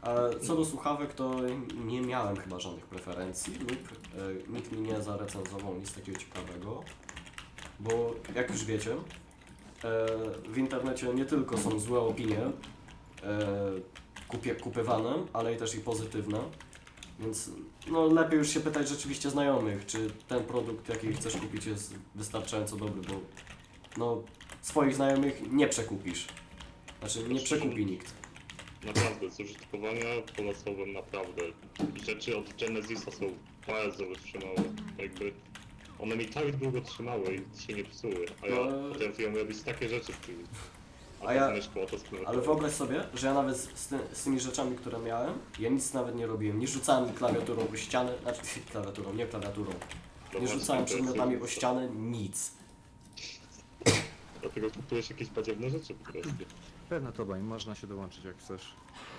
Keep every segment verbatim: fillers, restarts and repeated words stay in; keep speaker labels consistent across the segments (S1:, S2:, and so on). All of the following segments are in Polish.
S1: A co do słuchawek, to nie miałem chyba żadnych preferencji lub e, nikt mi nie zarecenzował nic takiego ciekawego, bo jak już wiecie, e, w internecie nie tylko są złe opinie e, kupie, kupywane, ale i też i pozytywne, więc no, lepiej już się pytać rzeczywiście znajomych, czy ten produkt, jaki chcesz kupić, jest wystarczająco dobry, bo no, swoich znajomych nie przekupisz, znaczy nie przekupi nikt.
S2: Naprawdę, z użytkowania polecałbym naprawdę. Rzeczy od Genesisa są bardzo wytrzymałe. Jakby one mi tak długo trzymały i się nie psuły, a ja
S1: No.
S2: potrafiłem robić takie rzeczy w tym. A,
S1: A ja-
S2: ja... myszką, a to z
S1: Ale wyobraź sobie, że ja nawet z, ty, z tymi rzeczami, które miałem, ja nic nawet nie robiłem. Nie rzucałem klawiaturą o ścianę, znaczy klawiaturą, nie klawiaturą.
S2: No
S1: Nie
S2: właśnie,
S1: rzucałem
S2: to jest-
S1: przedmiotami o ścianę, nic.
S2: Dlatego kupujesz jakieś badziewne rzeczy po prostu.
S3: Pewno to bań, można się dołączyć jak chcesz.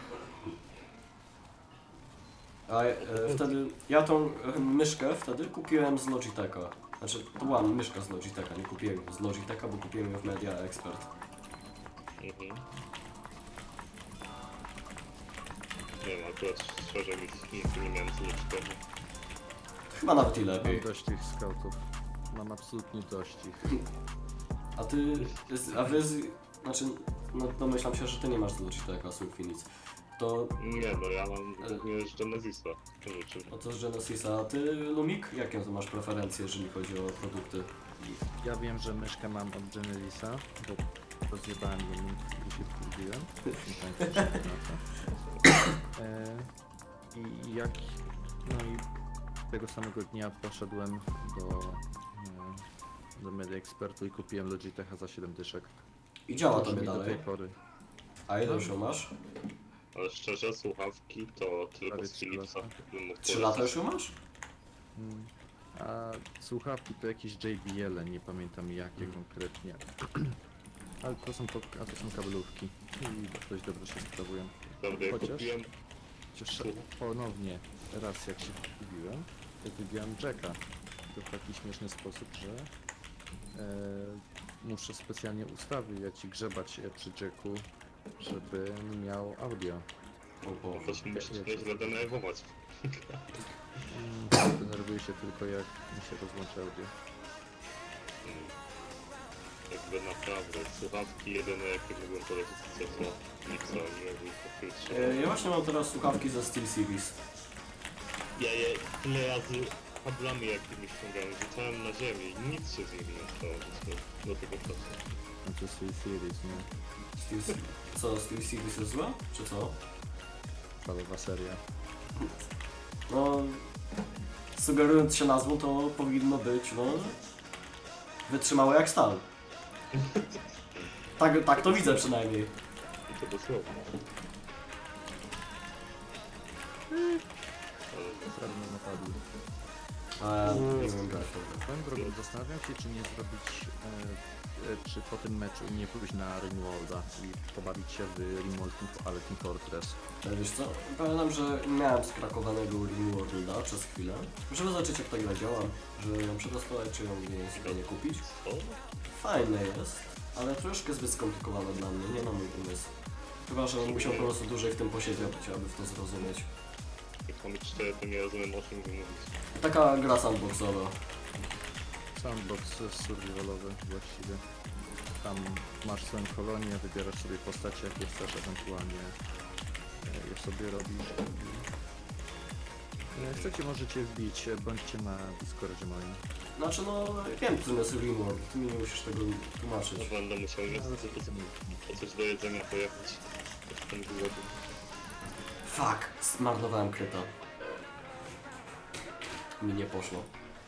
S1: A e, wtedy, ja tą e, myszkę wtedy kupiłem z Logitecha. Znaczy, to była myszka z Logitecha, nie kupiłem ją z Logitecha, bo kupiłem ją w Media Expert.
S2: Mhm. Nie wiem, akurat szczerze nic, nigdy nie miałem z niczego.
S1: Chyba nawet i
S3: Mam
S1: lepiej.
S3: dość tych scoutów. Mam absolutnie dość ich.
S1: A ty, z- a wy, z, znaczy, no domyślam się, że ty nie masz z Logitecha, Sulfinic. To,
S2: Nie no, ja mam również Genesisa rzeczy.
S1: no to z Genesisa, a ty, Lumik, jakie to masz preferencje, jeżeli chodzi o produkty?
S3: Ja wiem, że myszkę mam od Genesisa, bo rozjebałem ją i się wkurwiłem. Nie pamiętam czy to na to. E, I jak... No i tego samego dnia poszedłem do... E, do Media Expertu i kupiłem Logitecha za siedem dyszek.
S1: I działa
S3: Służy
S1: tobie
S3: mi do
S1: dalej.
S3: tej pory.
S1: A ile już ją masz?
S2: Ale szczerze, słuchawki to tylko
S3: Prawie
S2: z
S3: trzy
S2: Philipsa
S3: lata.
S2: bym mógł
S1: Trzy lata
S2: polecić.
S1: już ją masz?
S3: Mm. A słuchawki to jakieś J B L, nie pamiętam jakie
S1: Mm.
S3: konkretnie. Ale to są, po, a to są kabelówki i dość dobrze się sprawują.
S2: Prawda, ja
S3: Chociaż-
S2: kupiłem...
S3: Chociaż ponownie raz jak się kupiłem, to wybiłem jacka. To w taki śmieszny sposób, że e, muszę specjalnie ustawiać i grzebać e, przy jacku, żeby miał audio.
S1: O
S2: No
S1: Boże.
S2: to się musisz nieźle denerwować.
S3: Mm, denerwuję się tylko jak mi się rozłącza audio.
S2: Mm. Jakby naprawdę, słuchawki jedyne jakie mogłem polecić to są Philipsa, nie mógł pokryć.
S1: E, Ja właśnie mam teraz słuchawki ze SteelSeries.
S2: Ja je tyle razy kablami jakimiś ściągałem, rzucałem na ziemię i nic się z nimi nie stało do, do tego czasu.
S3: No to jest series, nie?
S1: Steel, co, SteelSeries jest złe? Czy co?
S3: Palowa seria.
S1: No, sugerując się nazwą, to powinno być, no, wytrzymałe jak stal. Tak, tak to widzę przynajmniej.
S2: I to dosłownie. Ale
S3: Prawie mnie napadli.
S1: A, nie wiem, jak to.
S3: Swoją drogą zastanawiam się, czy nie zrobić, e, e, czy po tym meczu nie pójść na Ringwalda i pobawić się w Ringwald, ale Team Fortress.
S1: E, Wiesz co, pamiętam, że miałem skrakowanego Ringworlda przez chwilę, żeby zobaczyć jak ta gra działa, żeby ją przetestować, czy ją nie, sobie nie kupić.
S2: co?
S1: Fajne jest, ale troszkę zbyt skomplikowane dla mnie, nie na mój umysł. Chyba, że musiał po prostu dłużej w tym posiedzieć, aby w to zrozumieć.
S2: Jak mam być szczery, to nie rozumiem o czym wy mówicie.
S1: Taka gra sandboxowa.
S3: Sandbox survivalowy właściwie. Tam masz swoją kolonię, wybierasz sobie postacie jakie chcesz, ewentualnie e, je sobie robisz. I, e, chcecie, możecie wbić, e, bądźcie na Discordzie moim.
S1: Znaczy no, wiem czym jest Ringworld, ty mi nie musisz tego tłumaczyć.
S2: No będę musiał niestety po, po coś do jedzenia pojechać. Jestem głodny.
S1: Fuck, zmarnowałem kryta. Mi nie poszło.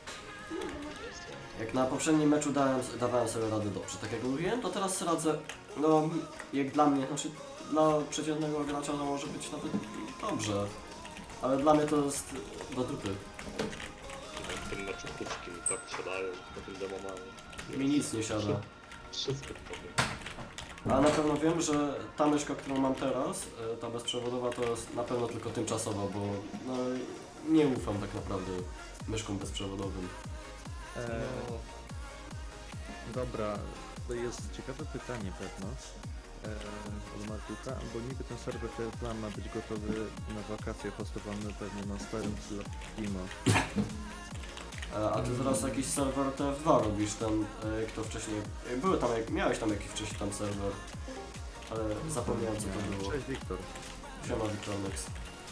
S1: Jak na poprzednim meczu dałem, dawałem sobie radę dobrze, tak jak mówiłem, to teraz radzę, no jak dla mnie, znaczy dla przeciętnego gracza to może być nawet dobrze, ale dla mnie to jest do dupy.
S2: W tym meczu puszki mi tak siadają, po tym demomanie.
S1: Mi nic nie siada.
S2: Wszystko powiem.
S1: A na pewno wiem, że ta myszka, którą mam teraz, e, ta bezprzewodowa, to jest na pewno tylko tymczasowa, bo no, nie ufam tak naprawdę myszkom bezprzewodowym.
S3: E, dobra, to jest ciekawe pytanie pewno. E, od piłka, bo niby ten serwer ten plan ma być gotowy na wakacje, hostowany pewnie na starym Limo.
S1: E, A ty teraz jakiś serwer T F dwa robisz, ten, e, kto wcześniej... e, Były tam, jak- miałeś tam jakiś wcześniej tam serwer, ale zapomniałem co to było.
S3: Cześć Wiktor.
S1: Siema Victornex.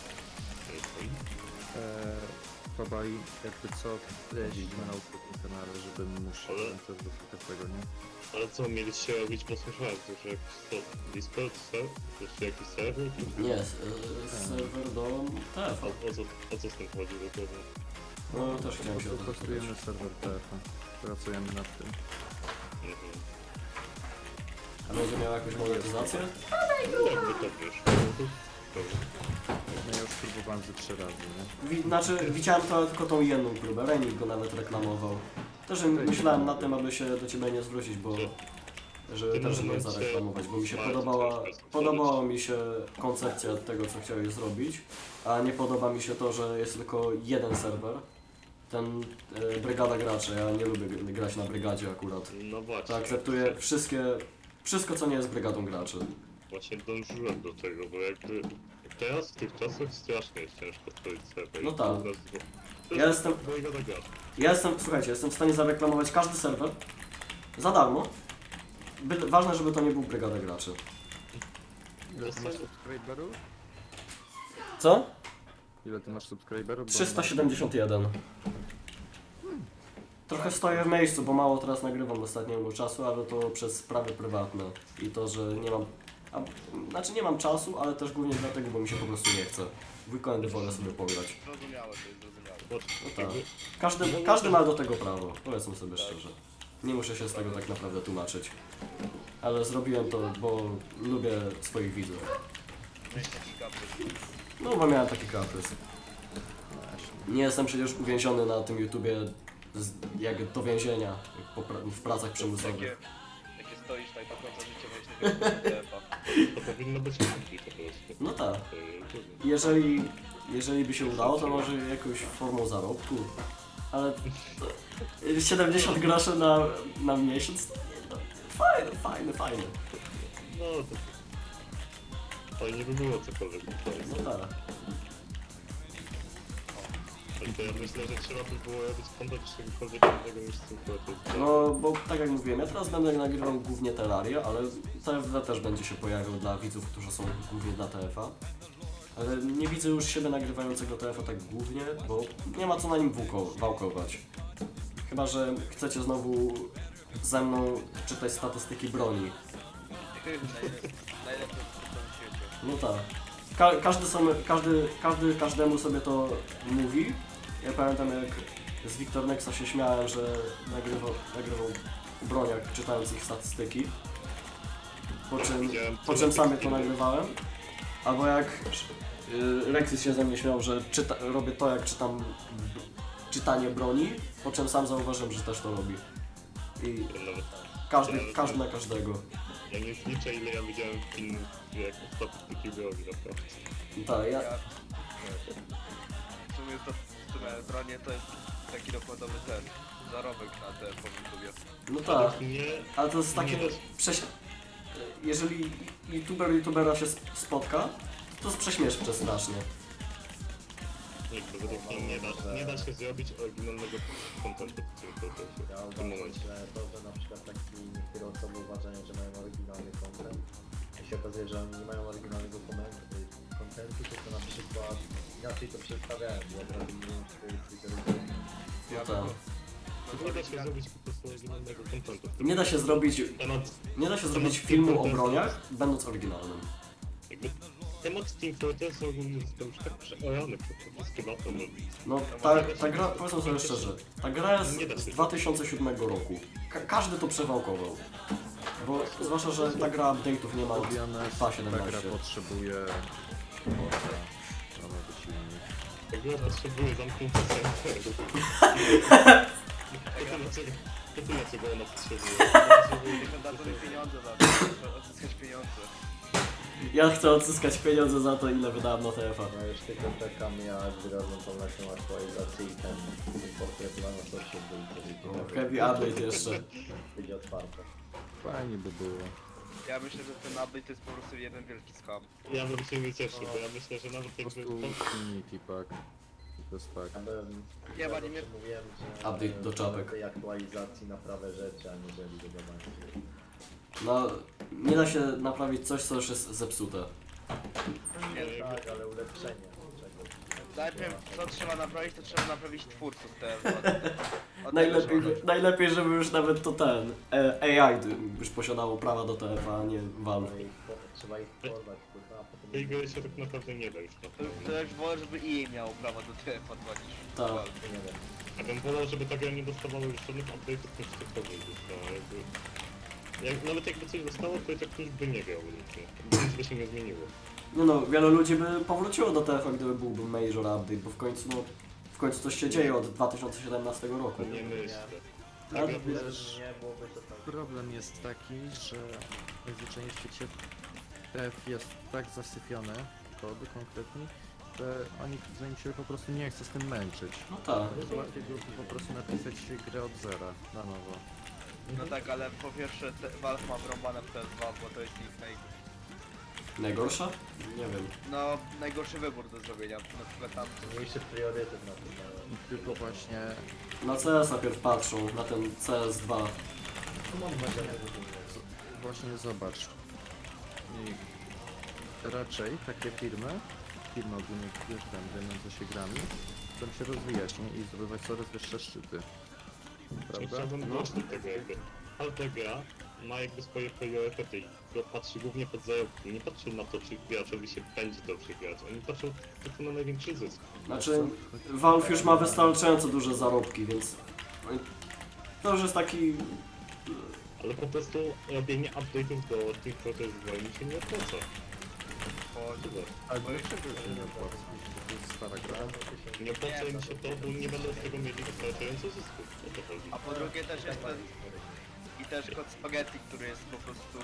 S3: Eee, Babaj, jakby co, jeździmy na tym kanale, żeby móc
S2: Ale-
S3: ten serwer tego, nie?
S2: Ale co, mieliście robić, bo słyszałem, że jakiś to Discord, ser? Jeszcze jakiś serwer?
S1: Nie, e, serwer do T F
S2: O,
S1: a.
S2: o, co, o co z tym chodzi dokładnie?
S1: No też chciałem się o
S3: Po
S1: to
S3: prostu
S1: zapytać.
S3: testujemy serwer T F a. Pracujemy nad tym.
S2: Mhm.
S1: A będzie miał jakąś monetyzację?
S2: Jakby to wiesz, no to dobra.
S3: No ja już próbowałem ze trzy razy, nie?
S1: Wi znaczy, widziałem to tylko tą jedną próbę, Renik go nawet reklamował. Też myślałem nad tym, aby się do ciebie nie zwrócić, bo... żeby
S2: Ty
S1: też
S2: może
S1: nie
S2: macie-
S1: zareklamować, bo mi się
S2: macie
S1: podobała,
S2: troszkę stworzyć.
S1: podobała mi się koncepcja tego, co chciałeś zrobić, a nie podoba mi się to, że jest tylko jeden serwer, ten e, brygada graczy, ja nie lubię gr- grać na brygadzie akurat.
S2: No właśnie.
S1: To akceptuję wszystkie, wszystko co nie jest brygadą graczy.
S2: Właśnie dążyłem do tego, bo jakby teraz w tych czasach strasznie jest ciężko stworzyć serwer.
S1: No tak.
S2: To jest- to
S1: Ja
S2: jest
S1: jestem-
S2: mojego nagrania.
S1: Ja jestem, słuchajcie, jestem w stanie zareklamować każdy serwer za darmo, Byle, ważne, żeby to nie był brygada graczy.
S3: Ile ty masz subskryberów?
S1: Co?
S3: Ile ty masz subskryberów? Bo
S1: trzysta siedemdziesiąt jeden. Trochę stoję w miejscu, bo mało teraz nagrywam ostatniego czasu, ale to przez sprawy prywatne i to, że nie mam... A, znaczy nie mam czasu, ale też głównie dlatego, bo mi się po prostu nie chce. W weekendy wolę sobie pograć.
S4: Zrozumiałe, to jest zrozumiałe.
S2: Bo
S1: No tak.
S2: jakby
S1: Każdy, każdy ma do tego prawo, powiedzmy sobie szczerze. Nie muszę się z tego tak naprawdę tłumaczyć. Ale zrobiłem to, bo lubię swoich widzów.
S4: Miałeś taki kaprys.
S1: No bo miałem taki kaprys.
S3: Właśnie.
S1: Nie jestem przecież uwięziony na tym YouTubie z, jak do więzienia jak po, pra- w pracach
S4: Takie,
S1: przymusowych.
S4: jakie stoisz tak do końca życia, miałeś takiego tepa.
S2: to powinno być lepiej po prostu.
S1: No tak.
S2: To, to,
S1: Jeżeli, jeżeli by się udało, to może jakąś formą zarobku. Ale to- siedemdziesiąt groszy na, na miesiąc to nie, no, fajne, fajne, fajne.
S2: no to... Fajnie by było cokolwiek tutaj.
S1: No tak.
S2: Ale to ja myślę, że trzeba by było robić kontent czegokolwiek innego niż tylko to.
S1: No bo tak jak mówiłem, ja teraz będę nagrywał głównie Terrarię, ale T F D też będzie się pojawiał dla widzów, którzy są głównie dla T F a. Ale nie widzę już siebie nagrywającego T F a tak głównie, bo nie ma co na nim włóko- wałkować. Chyba że chcecie znowu ze mną czytać statystyki broni.
S4: Najlepsze najlepsze w tym świecie.
S1: No tak. Ka każdy, sobie, każdy, każdy każdemu sobie to mówi. Ja pamiętam jak z Victornexa się śmiałem, że nagrywał, nagrywał o broniach, czytając ich statystyki. Po czym, po czym sam je to nagrywałem. Albo jak y, Rexis się ze mnie śmiał, że czyta, robię to jak czytam czytanie broni, po czym sam zauważyłem, że też to robi. I
S2: Nawet
S1: każdy, każdy na każdego.
S2: ja nie zliczę ile ja widziałem filmów, jak statystyki broni naprawdę.
S1: Tak, ja,
S4: Ja, w sumie to, w sumie bronie to jest taki dokładowy ten zarobek na te po YouTubie.
S1: no tak.
S2: Według mnie
S1: Ale to jest takie
S2: Nie.
S1: prześ... Jeżeli youtuber youtubera się sp- spotka, to jest prześmieszne strasznie.
S2: jakby według mnie nie da, nie da się zrobić oryginalnego kontentu w tym, w tym,
S5: Ja
S2: w tym
S5: uważam,
S2: momencie.
S5: że to, że na przykład taki niektóre osoby uważają, że mają oryginalny content, i się okazuje, że oni nie mają oryginalnego komen- kontentu, tylko na przykład inaczej to przedstawiają, bo od razu mówią swoje Twittery.
S1: No tak.
S2: Nie da się zrobić po prostu oryginalnego kontentu. w tym
S1: Nie da się zrobić,
S2: Temat,
S1: nie da się zrobić filmu o broniach, będąc oryginalnym.
S2: jakby, temat Team Fortress ogólnie został już tak przeorany przez chyba
S1: No ta, ta gra, powiedzmy sobie szczerze, ta gra jest z dwa tysiące siódmego roku. Ka każdy to przewałkował. Bo zwłaszcza, że ta gra update'ów nie ma od
S3: Mówione,
S1: dwa
S3: ta gra
S1: siedemnaście.
S3: potrzebuje moca na nowy silnik.
S2: Ta gra potrzebuje zamknięcia serweru. To tyle, czego- to tyle, czego ona potrzebuje.
S4: Niech dadzą mi pieniądze za to, żeby odzyskać pieniądze.
S1: Ja chcę odzyskać pieniądze za to, ile wydałem na T F a.
S5: No już tylko czekam, ja wyrażę tą naszą aktualizację i ten portret na to się
S1: No,
S5: był,
S1: heavy update jeszcze.
S5: będzie otwarte.
S3: Fajnie by było.
S4: Ja myślę, że ten update to jest po prostu jeden wielki skam.
S2: Ja bym się nie cieszył, bo ja myślę, że nawet
S3: Po
S2: jakby...
S3: prostu
S2: to-
S3: Infinity Pack. To jest tak.
S5: Ja bym,
S4: Nie,
S5: ja
S4: bo nie
S5: zawsze
S4: mnie-
S5: mówiłem, że
S1: Update do czapek.
S5: tej aktualizacji na prawe rzeczy, aniżeli dodawanie.
S1: No, nie da się naprawić coś, co już jest zepsute.
S4: Nie,
S5: Tak, ale ulepszenie czegoś.
S4: najpierw co trzeba naprawić, to trzeba naprawić twórców te od,
S1: Najlepiej, najlepiej, żeby już nawet to ten e, A I już posiadało prawa do T F, a nie Valve.
S5: Trzeba ich, po- trzeba ich porwać, kurwa, a potem...
S2: Tej gry się tak naprawdę nie da już
S4: To,
S2: naprawić.
S4: to już wolę, żeby E A miało prawo do T F A niż
S1: Tak.
S4: Valve.
S5: Nie wiem.
S2: Ja bym wolał, żeby ta gra nie dostawała już żadnych update'ów niż cokolwiek dostała, jakby... Jak, nawet jakby coś dostało, to i tak ktoś by nie grał nic, nic by się nie zmieniło.
S1: Nie no, wiele ludzi by powróciło do T F, gdyby byłby major update, bo w końcu, no, w końcu coś się dzieje od dwa tysiące siedemnastego roku.
S2: Nie myślę.
S1: Ale
S2: Ta gra
S3: wiesz,
S2: była-
S5: Nie byłoby to tak.
S3: Problem jest taki, że najzwyczajniej w świecie T F jest tak zasypiony, kody konkretnie, że oni zanim się po prostu nie chce z tym męczyć.
S1: No tak.
S3: Jest łatwiej byłoby po prostu napisać grę od zera, na nowo.
S4: No tak, ale po pierwsze te, Valve ma wrąbane w T F dwa, bo to jest ich naj,
S1: Najgorsza? Nie wiem.
S4: no, najgorszy wybór do zrobienia. Na przykład tam
S5: Mniejszy priorytet na to.
S3: I tylko właśnie
S1: Na C S najpierw patrzą, na ten C S dwa.
S5: Tu mam nadzieję, że
S3: Właśnie zobacz. I raczej takie firmy, firmy ogólnie wiesz, tam zajmujące się grami, chcą się rozwijać, nie? I zdobywać coraz wyższe szczyty. Prawda?
S2: Chciałbym
S1: No.
S2: dojść do tego jakby. Każda gra ma jakby swoje priorytety i patrzy głównie pod zarobki. Nie patrzą na to, czy graczowi się będzie dobrze grać. Oni patrzą tylko na największy zysk.
S1: Znaczy, Valve już ma wystarczająco duże zarobki, więc to już jest taki...
S2: Ale po prostu robienie update'ów do Team Fortress dwa mi się nie opłaca.
S4: po,
S2: Tyle.
S3: Ale dlaczego się nie opłaca? Bo to jest stara gra.
S2: Nie opłaca im się to, bo nie będą z tego mieli wystarczająco zysków. O to chodzi.
S4: a po drugie też jest ten i też kod spaghetti, który jest po prostu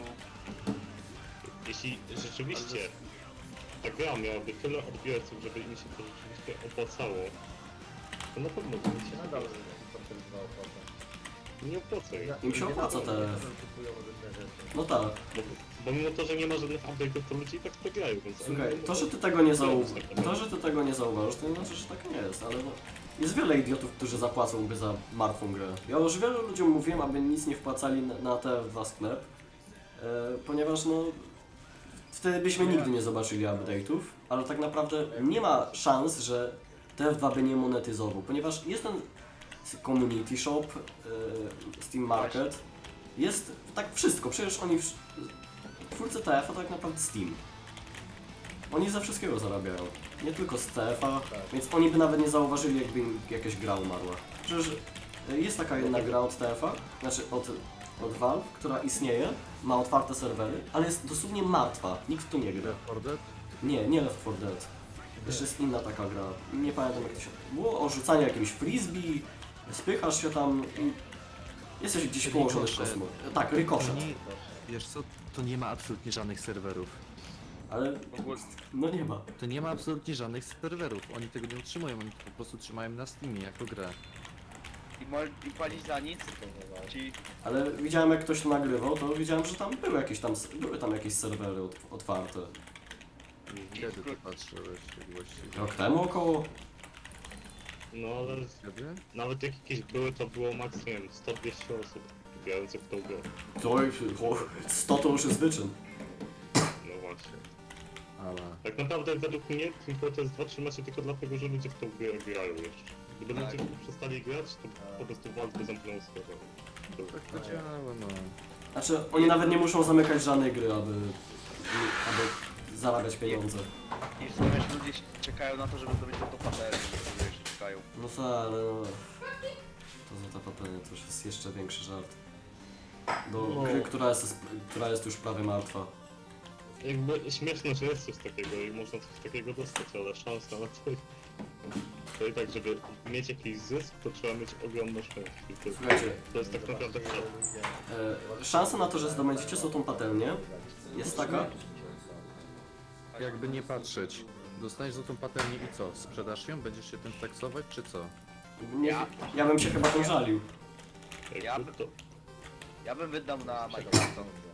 S2: Jeśli rzeczywiście ta gra miałaby tyle odbiorców, żeby im się to rzeczywiście opłacało, to na pewno by mi się
S5: nadal
S2: nadal
S5: Fortress dwa opłaca.
S2: nie opłaca im.
S1: Im się opłaca te...
S5: Kupują różne rzeczy.
S1: No tak.
S2: Bo, bo mimo to, że nie ma żadnych update'ów, to ludzie i tak to grają, więc...
S1: Słuchaj, to, że ty tego nie zauważysz, to, że ty tego nie zauważysz, to nie znaczy, że tak nie jest, ale no, jest wiele idiotów, którzy zapłacą za martwą grę. Ja już wielu ludziom mówiłem, aby nic nie wpłacali na, na T F dwa sklep, e, ponieważ no, wtedy byśmy nigdy nie zobaczyli update'ów, ale tak naprawdę nie ma szans, że T F dwa by nie monetyzował, ponieważ jest ten community shop, e, Steam Market, jest tak wszystko, przecież oni, wsz- twórcy T F a to tak naprawdę Steam. Oni ze wszystkiego zarabiają, nie tylko z T F a, więc oni by nawet nie zauważyli, jakby im jakaś gra umarła. Przecież y, jest taka jedna gra od T F a, znaczy od, od Valve, która istnieje, ma otwarte serwery, ale jest dosłownie martwa, nikt w to nie gra.
S3: Left four Dead?
S1: Nie, nie Left four Dead. Jeszcze jest inna taka gra, nie pamiętam jak to się... Było o rzucaniu jakimś frisbee, spychasz się tam i jesteś gdzieś położony w
S3: Ricochet.
S1: kosmos. Tak, Ricochet.
S3: To nie, wiesz co, to nie ma absolutnie żadnych serwerów.
S1: Ale
S4: w ogóle
S1: no nie ma.
S3: To nie ma absolutnie żadnych serwerów. Oni tego nie utrzymują, oni to po prostu trzymają na Steamie jako grę.
S4: i, mo- i płacić za nic, ci
S1: Ale widziałem jak ktoś to nagrywał, to widziałem, że tam były jakieś tam, były tam jakieś serwery ot- otwarte.
S3: Kiedy ty patrzyłeś właściwie?
S1: Rok temu około?
S2: No ale
S3: Kiedy?
S2: nawet jak jakieś były, to było maks, nie wiem, sto dwieście osób grających w tą grę.
S1: To już, o, sto to już jest wyczyn.
S2: No właśnie.
S3: Ale...
S2: Tak naprawdę według mnie Team Fortress dwa trzyma się tylko dlatego, że ludzie w tą grę grają jeszcze. Gdyby
S4: Tak.
S2: ludzie przestali grać, to po prostu Valve by zamknął serwer. To-
S3: Tak to działa, no.
S1: Znaczy, oni nawet nie muszą zamykać żadnej gry, aby, aby zarabiać pieniądze.
S4: i w sumie wiesz, ludzie czekają na to, żeby zdobyć to patery, żeby jeszcze czekają.
S1: No tak, ale no... To za to papenie to już jest jeszcze większy żart. Do
S2: No.
S1: gry, która jest, która jest już prawie martwa.
S2: Jakby śmieszne, że jest coś takiego i można coś takiego dostać, ale szansa na to... To i tak, żeby mieć jakiś zysk, to trzeba mieć ogromne szczęście. I To,
S1: Słuchajcie,
S2: to jest tak naprawdę cel.
S1: e, szansa na to, że zdobędziecie złotą patelnię jest taka,
S3: Jakby nie patrzeć. Dostaniesz za tą patelnię i co? Sprzedasz ją? Będziesz się tym taksować, czy co?
S1: nie,
S4: Ja-
S1: ja bym się chyba tym żalił.
S2: Jakby
S4: Ja-
S2: to,
S4: Ja bym wydał na Minecrafta.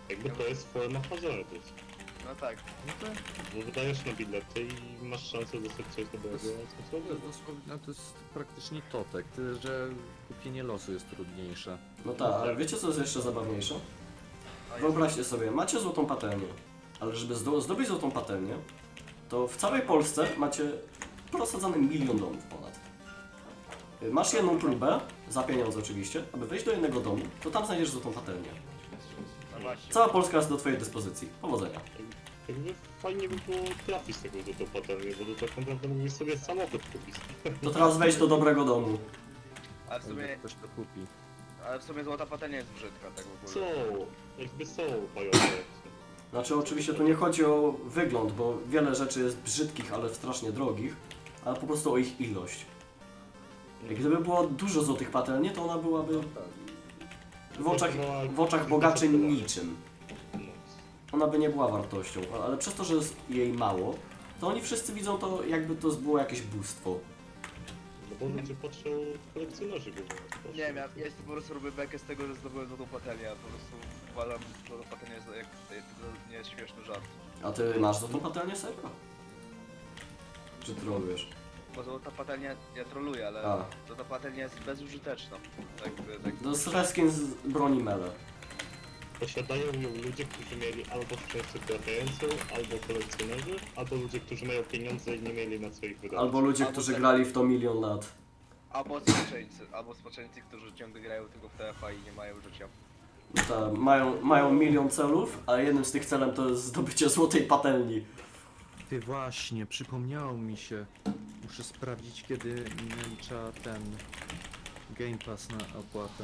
S2: Jakby to jest forma hazardu.
S4: No tak.
S3: No to,
S2: Bo wydajesz na bilety i masz szansę dostać coś dobrego,
S3: to,
S2: a co słabego.
S3: dosłownie- no to jest praktycznie totek, tyle że kupienie losu jest trudniejsze.
S1: No tak, ale wiecie co jest jeszcze zabawniejsze?
S4: A jest-
S1: Wyobraźcie sobie, macie złotą patelnię, ale żeby zdo zdobyć złotą patelnię, to w całej Polsce macie prosadzany milion domów ponad. Y, Masz jedną próbę, za pieniądze oczywiście, aby wejść do jednego domu, to tam znajdziesz złotą patelnię.
S4: No właśnie.
S1: Cała Polska jest do twojej dyspozycji. Powodzenia.
S2: Jakby fajnie by było trafić tego do tą patelnię, bo to tak naprawdę mógłbyś sobie samochód kupić.
S1: To teraz wejdź do dobrego domu.
S4: Ale w
S3: Jak
S4: sumie,
S3: ktoś to kupi.
S4: ale w sumie złota patelnia jest brzydka, tak w
S2: Co?
S4: ogóle.
S2: Jakby są bajowe.
S1: Znaczy oczywiście tu nie chodzi o wygląd, bo wiele rzeczy jest brzydkich, ale strasznie drogich, ale po prostu o ich ilość. Jak gdyby było dużo złotych patelni, to ona byłaby
S5: No tak.
S1: w oczach, w oczach bogaczy niczym.
S2: No.
S1: Ona by nie była wartością, ale przez to, że jest jej mało, to oni wszyscy widzą to, jakby to było jakieś bóstwo.
S2: No bo ludzie patrzą, kolekcjonerzy go patrzą.
S4: Nie wiem, ja, ja po prostu robię bekę z tego, że zdobyłem złotą patelnię, a po prostu uważam, że złota patelnia jest jak, to nie jest śmieszny żart.
S1: A ty masz za tą patelnię serio? Czy trolujesz?
S4: Bo złota patelnia, ja troluję, ale
S1: A.
S4: złota patelnia jest bezużyteczna. Tak, tak.
S1: To jest reskin z broni Mele.
S2: Posiadają ją ludzie, którzy mieli albo szczęście trafiającą, albo kolekcjonerzy, albo ludzie, którzy mają pieniądze i nie mieli na co ich wydać.
S1: Albo ludzie,
S4: Albo
S1: którzy
S4: tak.
S1: grali w to milion lat.
S4: Albo spaczeńcy, albo spaczeńcy, którzy ciągle grają tylko w T F A i nie mają życia.
S1: Ta, mają, mają milion celów, a jednym z tych celem to jest zdobycie złotej patelni.
S3: Ty właśnie, przypomniało mi się. Muszę sprawdzić, kiedy mi nalicza ten Game Pass na opłatę.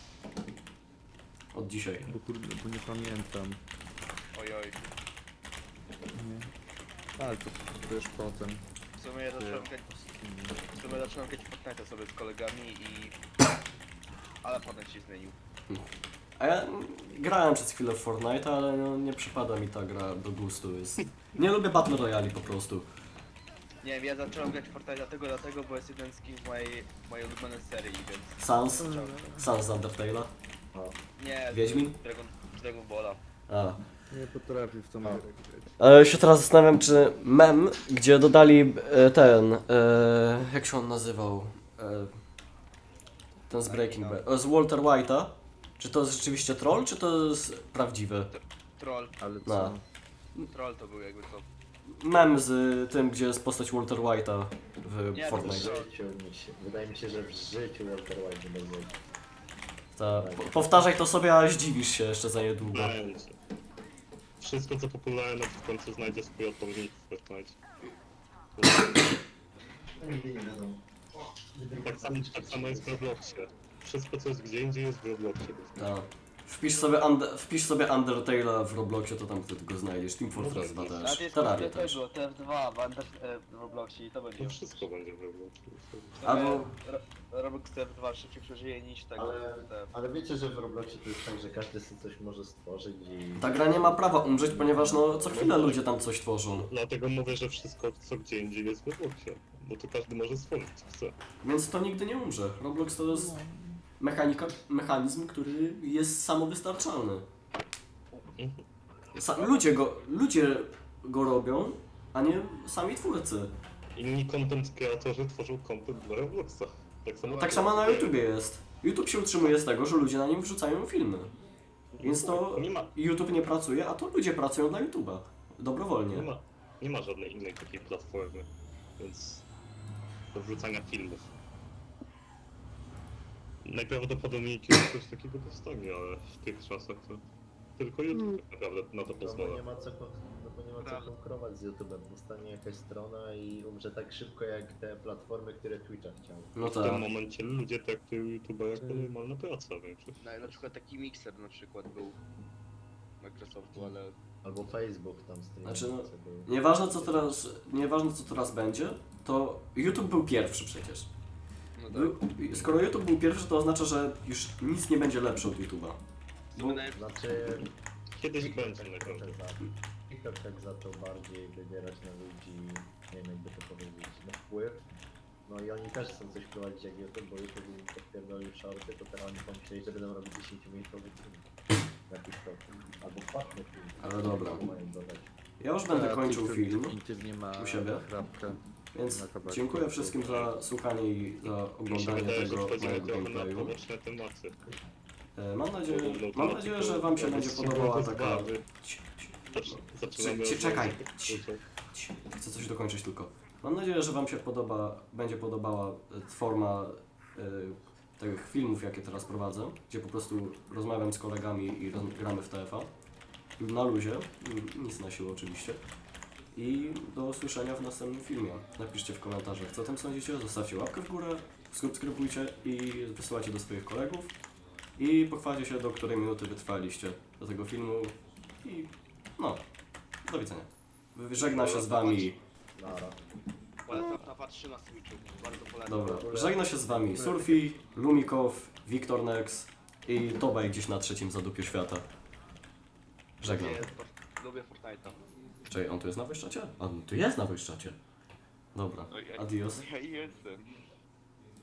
S1: Od dzisiaj.
S3: Bo kurde, bo nie pamiętam.
S4: Oj, oj.
S3: Nie. Ale to, to już potem.
S4: W sumie ja zacząłem grać, w sumie zacząłem grać w Fortnite sobie z kolegami i... Ale potem się zmienił.
S1: A ja grałem przez chwilę w Fortnite, ale no, nie przypada mi ta gra do gustu. Jest... Nie lubię Battle Royale po prostu.
S4: Nie wiem, ja zacząłem grać w Fortnite dlatego, dlatego, bo jest jeden z kim z mojej, mojej ulubionej serii, więc...
S1: Sans?
S4: zacząłem.
S1: Sans z Undertale'a?
S4: Nie,
S1: Wiedźmin?
S4: Dragon, Dragon Balla.
S1: A.
S3: Nie potrafię w tą grę grać.
S1: Ale się teraz zastanawiam, czy mem, gdzie dodali e, ten, e, jak się on nazywał, e, ten z Breaking Bad, e, z Walter White'a, czy to jest rzeczywiście troll, czy to jest prawdziwy?
S4: Troll,
S3: Ale co?
S1: No.
S4: troll to był jakby to.
S1: Mem z tym, gdzie jest postać Walter White'a w
S4: Nie,
S5: W
S1: Fortnite.
S5: życiu mi się, wydaje mi się, że w życiu Walter White nie będzie.
S1: Ta, po, powtarzaj to sobie, a zdziwisz się jeszcze za niedługo.
S2: Będzie. Wszystko co popularne w końcu znajdzie swój odpowiednik w Fortnite.
S5: Nigdy nie wiadomo.
S2: Tak samo, tak samo jest w Robloxie. Wszystko co jest gdzie indziej jest w Robloxie.
S1: Ta. Wpisz sobie, und- wpisz sobie Undertale'a w Robloxie, to tam ty go znajdziesz. Team Fortress dwa
S4: A
S1: też.
S4: to jest
S1: Terraria
S4: kompletnie
S1: też.
S4: tego, T F dwa w, Under, e, w Robloxie i to będzie.
S2: No wszystko będzie w Robloxie.
S1: Albo-
S4: Ro- Roblox T F dwa szybciej przeżyje niż tego
S5: Ale,
S4: T F.
S5: ale wiecie, że w Robloxie to jest tak, że każdy sobie coś może stworzyć i...
S1: Ta gra nie ma prawa umrzeć, ponieważ no co chwilę ludzie tam coś tworzą.
S2: Dlatego mówię, że wszystko co gdzie indziej jest w Robloxie. Bo to każdy może stworzyć co chce.
S1: Więc to nigdy nie umrze. Roblox to jest mechanika, mechanizm, który jest samowystarczalny.
S2: Mhm.
S1: Sa ludzie, go, ludzie go robią, a nie sami twórcy.
S2: Inni content kreatorzy tworzą content dla Robloxa. Tak samo,
S1: Tak samo na YouTubie jest. YouTube się utrzymuje z tego, że ludzie na nim wrzucają filmy. Więc to
S2: Nie ma,
S1: YouTube nie pracuje, a to ludzie pracują dla YouTube'a. Dobrowolnie.
S2: nie ma, nie ma żadnej innej takiej platformy. Więc do wrzucania filmów. Najprawdopodobniej kiedyś coś takiego powstanie, ale w tych czasach to tylko YouTube tak naprawdę na to
S5: No bo
S2: pozwala.
S5: nie ma co, kon- no bo nie ma co
S4: Prawda.
S5: konkurować z YouTube'em. Powstanie jakaś strona i umrze tak szybko jak te platformy, które Twitcha chciały.
S1: No
S2: w
S1: tak.
S2: tym momencie ludzie traktują YouTube'a jako normalna praca większość.
S4: No, na przykład taki mikser na przykład był Microsoftu, ale
S5: Albo Facebook tam streamuje.
S1: Znaczy, no, Nieważne co teraz, nieważne co teraz będzie, to YouTube był pierwszy przecież.
S4: no tak.
S1: Był, skoro YouTube był pierwszy, to oznacza, że już nic nie będzie lepsze od YouTube'a.
S4: W sumie nawet-
S5: Znaczy...
S2: Kiedyś
S5: TikTok
S2: będzie
S5: tak
S2: naprawdę.
S5: trochę za- TikTok tak zaczął bardziej wybierać na ludzi, nie wiem jakby to powiedzieć, na wpływ. No i oni też chcą coś prowadzić jak YouTube, bo YouTube im podpierdolił shorty, to teraz oni pomyśleli, że będą robić dziesięciominutowy film. jakiś to. Albo płatny film.
S1: Ale dobra.
S5: Mają dodać.
S1: Ja już będę
S3: A
S1: kończył
S3: Twitter
S1: film,
S3: definitywnie ma
S1: u siebie.
S3: chrapkę.
S1: więc
S3: na kabacie.
S1: dziękuję wszystkim za słuchanie i za
S2: Mi się
S1: oglądanie
S2: wydaje, że
S1: tego
S2: wchodzimy
S1: mojego
S2: trochę na
S1: gameplayu.
S2: poboczne tematy.
S1: E, Mam nadzieję,
S2: Bo- bo
S1: mam
S2: to
S1: nadzieję,
S2: tylko
S1: że wam się
S2: jakby
S1: będzie
S2: ściągnąć
S1: podobała
S2: z
S1: taka...
S2: bazy.
S1: Ci- ci-
S2: Zacz- Zaczynamy
S1: Ci-
S2: od
S1: czekaj.
S2: razu.
S1: Ci- ci- Chcę coś dokończyć tylko. Mam nadzieję, że wam się podoba, będzie podobała e, forma e, tych filmów, jakie teraz prowadzę, gdzie po prostu rozmawiam z kolegami i roz, gramy w T F A. Na luzie, n- nic na siłę oczywiście. I do usłyszenia w następnym filmie. Napiszcie w komentarzach, co o tym sądzicie, zostawcie łapkę w górę, subskrybujcie i wysyłajcie do swoich kolegów. I pochwalcie się, do której minuty wytrwaliście do tego filmu. I no, do widzenia. Żegna się z wami.
S5: Nara.
S4: Polecam na patrzy na Switchu. Bardzo polecam.
S1: Dobra, żegna się z wami Surfi, Lumikow, Wiktor Nex i Tobaj gdzieś na trzecim zadupiu świata. Żegnam.
S4: Lubię, lubię Fortnite'a.
S1: Czekaj, on tu jest na wojszczacie? A, on tu jest na wojszczacie. Dobra,
S4: No, ja-
S1: adios.
S4: Ja jestem.